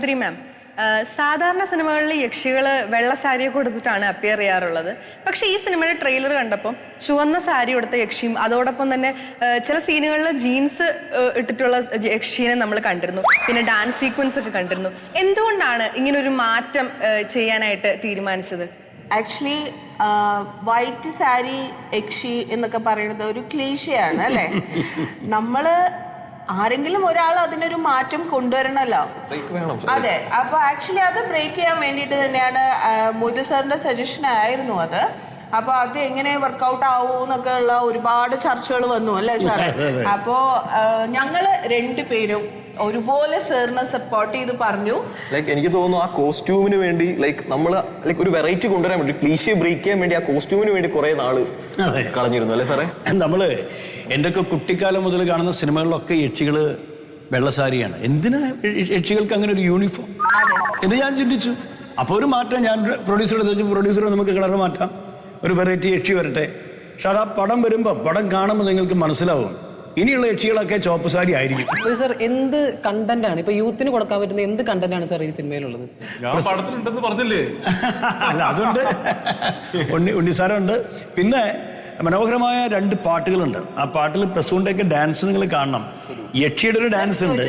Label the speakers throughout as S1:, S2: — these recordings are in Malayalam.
S1: മാം, സാധാരണ സിനിമകളിൽ യക്ഷികൾ വെള്ള സാരിയൊക്കെ കൊടുത്തിട്ടാണ് അപ്പിയർ ചെയ്യാറുള്ളത്. പക്ഷേ ഈ സിനിമയുടെ ട്രെയിലർ കണ്ടപ്പോൾ ചുവന്ന സാരി കൊടുത്ത യക്ഷിയും അതോടൊപ്പം തന്നെ ചില സീനുകളിൽ ജീൻസ് ഇട്ടിട്ടുള്ള യക്ഷിനെ നമ്മൾ കണ്ടിരുന്നു. പിന്നെ ഡാൻസ് സീക്വൻസ് ഒക്കെ കണ്ടിരുന്നു. എന്തുകൊണ്ടാണ് ഇങ്ങനൊരു മാറ്റം ചെയ്യാനായിട്ട് തീരുമാനിച്ചത്?
S2: ആക്ച്വലി വൈറ്റ് സാരി യക്ഷി എന്നൊക്കെ പറയുന്നത് ഒരു ക്ലീശയാണ് അല്ലേ? നമ്മള് ആരെങ്കിലും ഒരാൾ അതിനൊരു മാറ്റം കൊണ്ടുവരണമല്ലോ. അതെ, അപ്പൊ ആക്ച്വലി അത് ബ്രേക്ക് ചെയ്യാൻ വേണ്ടിയിട്ട് തന്നെയാണ് മൊയ്തു സാറിന്റെ സജഷൻ ആയിരുന്നു അത്. അപ്പൊ അത് എങ്ങനെ വർക്കൗട്ട് ആവൂന്നൊക്കെ ഉള്ള ഒരുപാട് ചർച്ചകൾ വന്നു അല്ലേ സാറേ? അപ്പോ ഞങ്ങള് രണ്ടുപേരും ഒരുപോലെ സാറിനെ സപ്പോർട്ട് ചെയ്ത് പറഞ്ഞു.
S3: എനിക്ക് തോന്നുന്നു ആ കോസ്റ്റ്യൂമിന് വേണ്ടി നമ്മൾ ഒരു വെറൈറ്റി കൊണ്ടുവരാൻ വേണ്ടി ക്ലീഷേ ബ്രേക്ക് ചെയ്യാൻ വേണ്ടി ആ കോസ്റ്റ്യൂമിന് വേണ്ടി കുറെ നാള് കളഞ്ഞിരുന്നു അല്ലേ സാറേ?
S4: നമ്മള് എന്തൊക്കെ കുട്ടിക്കാലം മുതൽ കാണുന്ന സിനിമകളിലൊക്കെ യക്ഷികള് വെള്ളസാരിയാണ്. എന്തിനാ യക്ഷികൾക്ക് അങ്ങനെ ഒരു യൂണിഫോം എന്ന് ഞാൻ ചിന്തിച്ചു. അപ്പോൾ ഒരു മാറ്റം ഞാൻ പ്രൊഡ്യൂസറെ വെച്ച്, പ്രൊഡ്യൂസറെ നമുക്ക് കളർ മാറ്റാം, ഒരു വെറൈറ്റി യക്ഷി വരട്ടെ. പക്ഷെ അത് ആ പടം വരുമ്പോൾ, പടം കാണുമ്പോൾ നിങ്ങൾക്ക് മനസ്സിലാവും ഇനിയുള്ള യക്ഷികളൊക്കെ ചോപ്പ് സാരി ആയിരിക്കും.
S5: സർ, എന്ത് കണ്ടന്റ് ആണ് ഇപ്പൊ യൂത്തിന് കൊടുക്കാൻ പറ്റുന്ന എന്ത് കണ്ടന്റ് ആണ് സാർ ഈ സിനിമയിലുള്ളത്?
S6: പടത്തിലുണ്ടെന്ന് പറഞ്ഞില്ലേ?
S4: അല്ല, അതുണ്ട്, ഉണ്ണിസാറുണ്ട്. പിന്നെ മനോഹരമായ 2 പാട്ടുകളുണ്ട്. ആ പാട്ടിൽ പ്രസൂണിൻ്റെയൊക്കെ ഡാൻസ് നിങ്ങൾ കാണണം. യക്ഷിയുടെ ഒരു ഡാൻസ് ഉണ്ട്.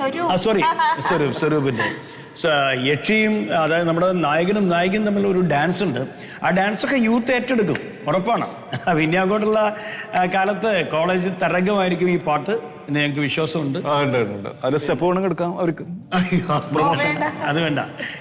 S4: സ്വരൂപിൻ്റെ യക്ഷിയും, അതായത് നമ്മുടെ നായകനും നായികയും തമ്മിലുള്ള ഒരു ഡാൻസ് ഉണ്ട്. ആ ഡാൻസൊക്കെ യൂത്ത് ഏറ്റെടുക്കും, ഉറപ്പാണ്. പിന്നെ അങ്ങോട്ടുള്ള കാലത്ത് കോളേജ് തരംഗമായിരിക്കും ഈ പാട്ട് എന്ന് ഞങ്ങൾക്ക് വിശ്വാസമുണ്ട്.
S6: അതിന്റെ സ്റ്റെപ്പ് വേണമെങ്കിൽ എടുക്കാം അവർക്ക്.
S4: അത് വേണ്ട.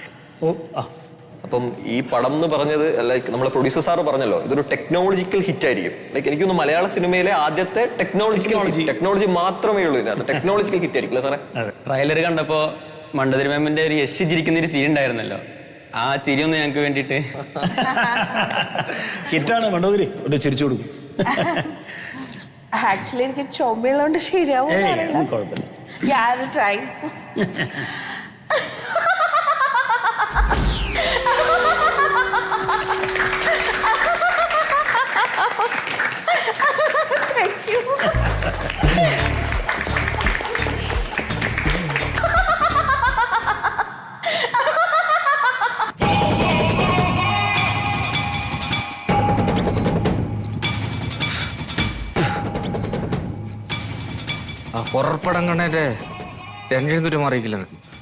S3: അപ്പം ഈ പടം എന്ന് പറഞ്ഞത് നമ്മളെ പ്രൊഡ്യൂസർ സാറ് പറഞ്ഞല്ലോ, ഇതൊരു ടെക്നോളജിക്കൽ ഹിറ്റ് ആയിരിക്കും. എനിക്കൊന്ന് മലയാള സിനിമയിലെ ആദ്യത്തെ ടെക്നോളജി മാത്രമേ ഉള്ളൂ ഇതിനകത്ത്. ടെക്നോളജിക്കൽ ഹിറ്റ് ആയിരിക്കും സാറേ?
S7: ട്രailer കണ്ടപ്പോ മണ്ടതിരി മാമിന്റെ ഒരു യശ് ചിരിക്കുന്ന ഒരു സീൻ ഉണ്ടായിരുന്നല്ലോ, ആ ചിരി ഒന്ന് ഞങ്ങൾക്ക് വേണ്ടിട്ട്.
S4: ഹിറ്റാണ് മണ്ടതിരി, ഒരു ചിരിച്ചു കൊടുക്കും.
S2: ആക്ച്വലി എനിക്ക് ചുമയുള്ളതുകൊണ്ട് ശരിയാവും.
S8: ഹൊറർപ്പടം കണ്ടേ ടെൻഷൻ തുറ്റം മാറിയിക്കില്ല.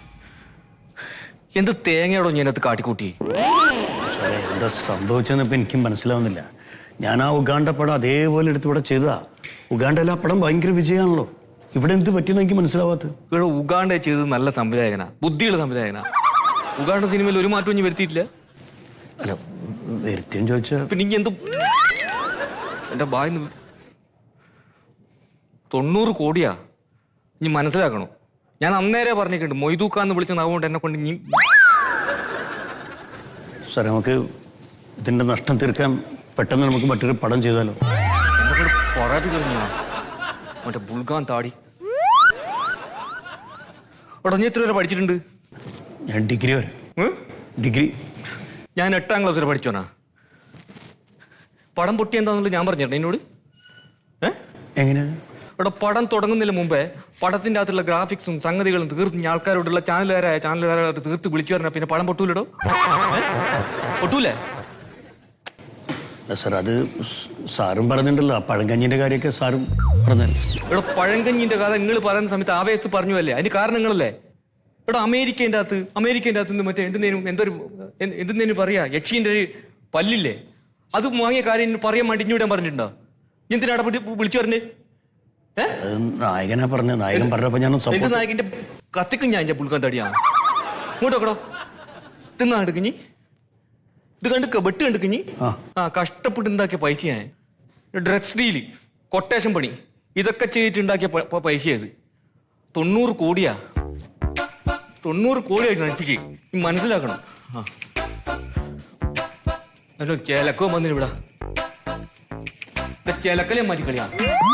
S8: എന്ത് തേങ്ങയോടോ ഞാനത് കാട്ടിക്കൂട്ടി?
S4: എന്താ സംഭവിച്ചെന്ന് ഇപ്പം എനിക്കും മനസ്സിലാവുന്നില്ല. ഞാൻ ആ ഉഗാണ്ട പടം അതേപോലെ എടുത്ത് ഇവിടെ ചെയ്തതാ. ഉഗാണ്ടയിൽ ആ പടം ഭയങ്കര വിജയമാണല്ലോ. ഇവിടെ എന്ത് പറ്റിയെന്ന് എനിക്ക് മനസ്സിലാവാത്ത.
S8: ഇവിടെ ഉഗാണ്ട ചെയ്തത് നല്ല സംവിധായകനാ, ബുദ്ധിയുള്ള സംവിധായകനാ. ഉഗാണ്ട സിനിമയിൽ ഒരു മാറ്റം ഇനി വരുത്തിയിട്ടില്ല.
S4: അല്ല, വരുത്തിയെന്ന് ചോദിച്ചാൽ
S8: പിന്നെ ഇനി എന്ത്? എന്റെ ബായിന്ന് 90 കോടിയാ. ഇനി മനസ്സിലാക്കണോ? ഞാൻ അന്നേരെ പറഞ്ഞിട്ടുണ്ട്, മൊയ്തൂക്കാന്ന് വിളിച്ച നാവുകൊണ്ട് എന്നെ കൊണ്ട് ഇനി.
S4: സാറേ, നമുക്ക് ഇതിന്റെ നഷ്ടം തീർക്കാൻ പെട്ടെന്ന് നമുക്ക് മറ്റൊരു പടം ചെയ്താലോ?
S8: എന്നെ കൊണ്ട് പറയാതി കഴിഞ്ഞ മറ്റേ ബുൾഗാൻ താടി. എടാ, നീ എത്ര വരെ പഠിച്ചിട്ടുണ്ട്?
S4: ഞാൻ ഡിഗ്രി വരെ. ഡിഗ്രി
S8: ഞാൻ 8ാം ക്ലാസ് വരെ പഠിച്ചോനാ. പടം പൊട്ടി എന്താന്നുള്ളത് ഞാൻ പറഞ്ഞിട്ടുണ്ട് എന്നോട്.
S4: എങ്ങനെയാ?
S8: ഇവിടെ പടം തുടങ്ങുന്നതിന് മുമ്പേ പടത്തിന്റെ അകത്തുള്ള ഗ്രാഫിക്സും സംഗതികളും തീർത്ത് ആൾക്കാരോടുള്ള ചാനലുകാരോട് തീർത്ത് വിളിച്ചു പറഞ്ഞാൽ പിന്നെ പടം പൊട്ടൂലടോ? പൊട്ടൂലേ?
S4: സാർ, അത് സാറും പറഞ്ഞിട്ടുണ്ടല്ലോ, ആ പഴങ്കഞ്ഞിന്റെ കാര്യമൊക്കെ സാറും പറഞ്ഞല്ലോ.
S8: ഇവിടെ പഴങ്കഞ്ഞിന്റെ കഥ നിങ്ങൾ പറയുന്ന സമയത്ത് ആവേശത്ത് പറഞ്ഞു അല്ലേ? അതിന് കാരണങ്ങളല്ലേ? ഇവിടെ അമേരിക്കേൻ്റെ അകത്ത് മറ്റേ എന്തെന്നേനും പറയാ, യക്ഷീന്റെ ഒരു പല്ലില്ലേ, അത് വാങ്ങിയ കാര്യം പറയാൻ വേണ്ടി ഇഞ്ഞൂടെ പറഞ്ഞിട്ടുണ്ടോ? എന്തിനാ വിളിച്ചു പറഞ്ഞേ?
S4: നായകനാ പറഞ്ഞ, നായകൻ പറഞ്ഞപ്പോ ഞാൻ
S8: എന്റെ നായകന്റെ കത്തിക്കും ഞാൻ എന്റെ പുൽക്കാൻ തടിയാണ്. ഇങ്ങോട്ടോക്കടോ, തിന്നാ എടുക്കിഞ്ഞി, ഇത് കണ്ട് വെട്ട് കണ്ടിക്കിഞ്ഞി. കഷ്ടപ്പെട്ട് ഉണ്ടാക്കിയ പൈസ ഞാൻ. ഡ്രഗ്സ് ഡീല്, കൊട്ടേഷൻ പണി, ഇതൊക്കെ ചെയ്തിട്ടുണ്ടാക്കിയ പൈസയത് 90 കോടിയാ. 90 കോടിയായിട്ട് നശിപ്പിച്ച്. മനസ്സിലാക്കണം. അല്ലോ, ചേലക്കോ വന്നിന് ഇവിടെ. ചേലക്കലേ മാറ്റി കളിയാ.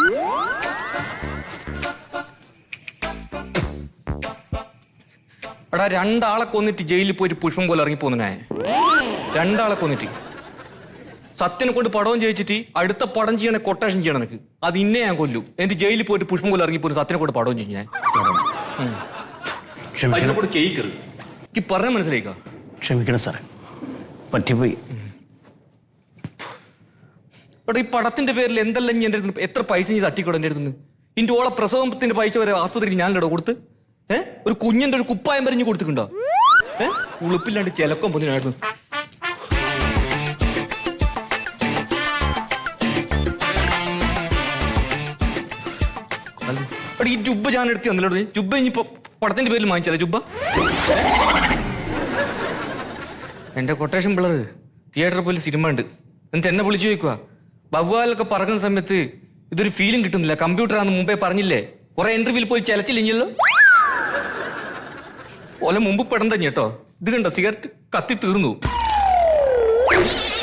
S8: എടാ, 2 ആളെ കൊന്നിട്ട് ജയിലിൽ പോയിട്ട് പുഷ്പം പോലെ ഇറങ്ങിപ്പോന്നു ഞാൻ. 2 ആളെ കൊന്നിട്ട് സത്യനെ കൊണ്ട് പടവും ചെയ്യിച്ചിട്ട് അടുത്ത പടം ചെയ്യണേ കൊട്ടേഷൻ ചെയ്യണം എനിക്ക്. അത് ഇന്നെ ഞാൻ കൊല്ലു. എന്നിട്ട് ജയിലിൽ പോയിട്ട് പുഷ്പം പോലെ ഇറങ്ങിപ്പോയി സത്യനെ കൊണ്ട് പടവും ചെയ്യും ഞാൻ. അതിനെ കൊണ്ട് ചെയ്യിക്കരുത്. എനിക്ക് പറഞ്ഞ മനസ്സിലായിക്കാ.
S4: ക്ഷമിക്കണം സാറേ, പറ്റിപ്പോയി.
S8: ഈ പടത്തിന്റെ പേരിൽ എന്തെല്ലാം ഞാൻ എൻ്റെ അടുത്ത് എത്ര പൈസ നീ തട്ടിക്കൂടെ എൻ്റെ അടുത്ത്? ഇന്റെ ഓളെ പ്രസവത്തിന്റെ പൈസ വരെ ആസ്പത്രിക്ക് ഞാനില്ലടോ കൊടുത്ത്. ഒരു കുഞ്ഞിന്റെ ഒരു കുപ്പായം വരെ കൊടുത്തിട്ടുണ്ടോ? ഉളുപ്പില്ലാണ്ട് ചിലക്കം പൊന്നിനായിരുന്നു. ഈ ജുബ്ബ ഞാൻ എടുത്ത് തന്നല്ലോ. ജുബ്ബ ഇനിയിപ്പോ പടത്തിന്റെ പേരിൽ വാങ്ങിച്ചാലേ ജുബ്ബ? എന്റെ കൊട്ടേഷൻ പിള്ളർ തിയേറ്ററിൽ പോയി സിനിമ ഉണ്ട് എന്നിട്ട് എന്നെ വിളിച്ചു ചോദിക്കുക, വവ്വാലൊക്കെ പറക്കുന്ന സമയത്ത് ഇതൊരു ഫീലും കിട്ടുന്നില്ല, കമ്പ്യൂട്ടറാന്ന് മുമ്പേ പറഞ്ഞില്ലേ, കുറെ ഇന്റർവ്യൂവിൽ പോയി ചിലച്ചില്ലല്ലോ. ഓലെ മുമ്പ് പെടണ്ട കേട്ടോ. ഇത് കണ്ടോ, സിഗരറ്റ് കത്തി തീർന്നു.